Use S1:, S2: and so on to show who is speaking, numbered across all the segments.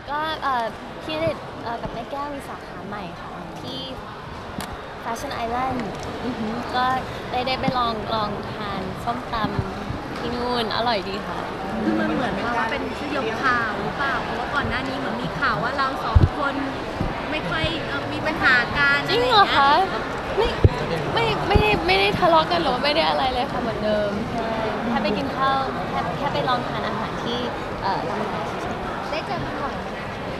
S1: ก็พี่ณเดชน์กับแม่แก้วมีสาขาใหม่ค่ะที่ Fashion Island ก็ได้ไปลองทานส้มตำที่นู่นอร่อยดีค่ะ
S2: มันเหมือนว่าเป็นสยบข่าวหรือเปล่าเพราะว่าก่อนหน้านี้เหมือนมีข่าวว่าเราสองคนไม่ค่อยมีปัญหากัน
S1: จริงเหรอคะไม่ได้ทะเลาะกันหรือว่าไม่ได้อะไรเลยค่ะเหมือนเดิมใช่แค่ไปกินข้าวแค่ไปลองทานอาหารที่ร้านอาหารเฉยๆ
S2: ได้เจอกันบ่อยไหม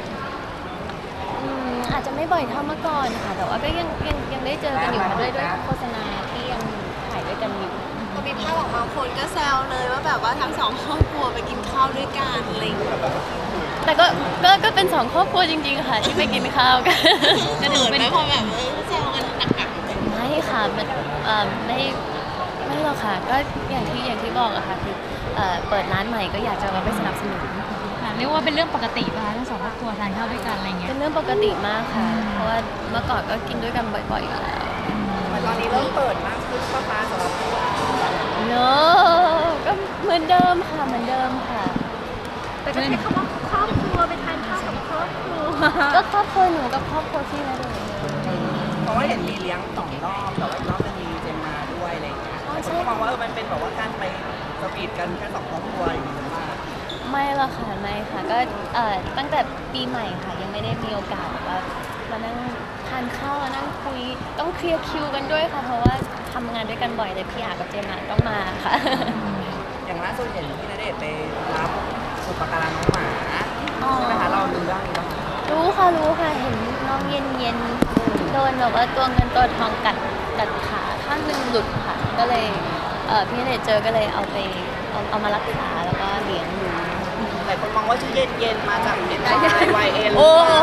S1: อาจจะไม่บ่อยเท่าเมื่อก่อนค่ะแต่ว่าก็ยังได้เจอกันอยู่ค่ะด้วยโฆษณาที่ยังถ่ายด้วยกันอยู่
S3: พอมีภาพออกมาคนก็แซวเลยว่าแบบว่าทั้งสองครอบครัวไปกินข้าวด้วยกันอะไรอย่างเงี้ย
S1: แต่ก็เป็นสองครอบครัวจริงๆค่ะที่ไปกินข้าวกัน
S3: จะเดินไหมพอแบบแซวกันหนักๆ
S1: ไม่ค่ะมันไม่หรอกค่ะก็อย่างที่บอกอะค่ะคือเปิดร้านใหม่ก็อยากจะมาไปสนับสนุน
S4: เรียกว่าเป็นเรื่องปกติป่ะทั้งสองครอบครัวทานข้าวด้วยกันอะไรเงี้ย
S1: เป็นเรื่องปกติมากค่ะเพราะว่าเมื่อก่อนก็กินด้วยกันบ่อยๆอยู่แล้ว
S5: ตอนนี้เริ่มเปิดมากขึ้นป้าฟ้าสำหรับเรา
S1: เนก็เหมือนเดิมค่ะเหมือนเดิมค่ะ
S2: แต่ก็ใช้คำว่าครอบครัวไปทานข้าวกับครอบครัว
S1: ก็ครอบครัวหนูกับครอบครัวพี่นะเด็ก
S5: เพราะว่าเห็นมีเลี้ยง2 รอบแต่ว่าอีกรอบนึงมีเจมมาด้วยอะไรอย่างเงี้ยคนก็มองว่ามันเป็นแบบว่าการไปสวีทกันแค่2 ครอบครัวอย่างเงี้ยมาก
S1: ไม่หรอกค่ะไม่ค่ะก็ตั้งแต่ปีใหม่ค่ะยังไม่ได้มีโอกาสแบบว่ามานั่งทานข้าวมานั่งคุยต้องเคลียร์คิวกันด้วยค่ะเพราะว่าทำงานด้วยกันบ่อยเลยพี่อากับเจมส์ต้องมาค่ะ
S5: อย่างล่าสุดเห็นพี่ณเดชน์ไปรับอุปการะน้องหมาใช่ไหมคะเราดูเรื่องนี้แล้ว
S1: รู้ค่ะเห็นน้องเย็นโดนแบบว่าตัวเงินตัวทองกัดขาข้างหนึงหลุดค่ะก็เลยพี่ณเดชน์เจอก็เลยเอามารักษาแล้วก็เลี้ยงดู
S5: หลายคนมองว่าชื่อเย็นมาจากเย็นวายเอ็น
S1: โอ้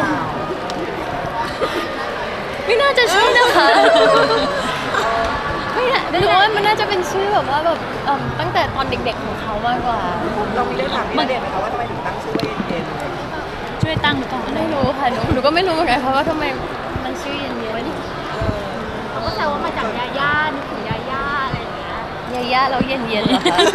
S1: ไม่น่าจะใช่นะคะไม่น่าหรือว่ามันน่าจะเป็นชื่อแบบว่าแบบตั้งแต่ตอนเด็กๆของเขามากกว่า
S5: เรามีเรื่องถามพี่ณเดชน์ไหมคะว่าทำไมถึงตั้งชื่อว่าเย็น
S4: ช่วยตั้งหรือเปล่า
S1: ไม่รู้ค่ะหนูก็ไม่รู้เหมือนกันเพราะว่าทำไมมันชื่อเย็น
S2: เขาก็แซวว่ามาจากยาย่านึกถึงยาย่าอะไรอย่างเงี้ย
S1: ๆย่าเราเย็นเหรอคะ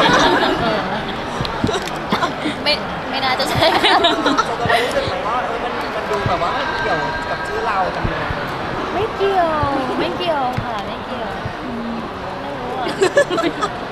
S1: ไม่น่าจะใช่ค่ะ
S5: จะรู้สึกไหมว่ามันดูแบบว่าเกี่ยวกับชื่อเราจังเลย
S1: ไม่เกี่ยวค่ะไม่เกี่ยวไม่รู้อ่ะ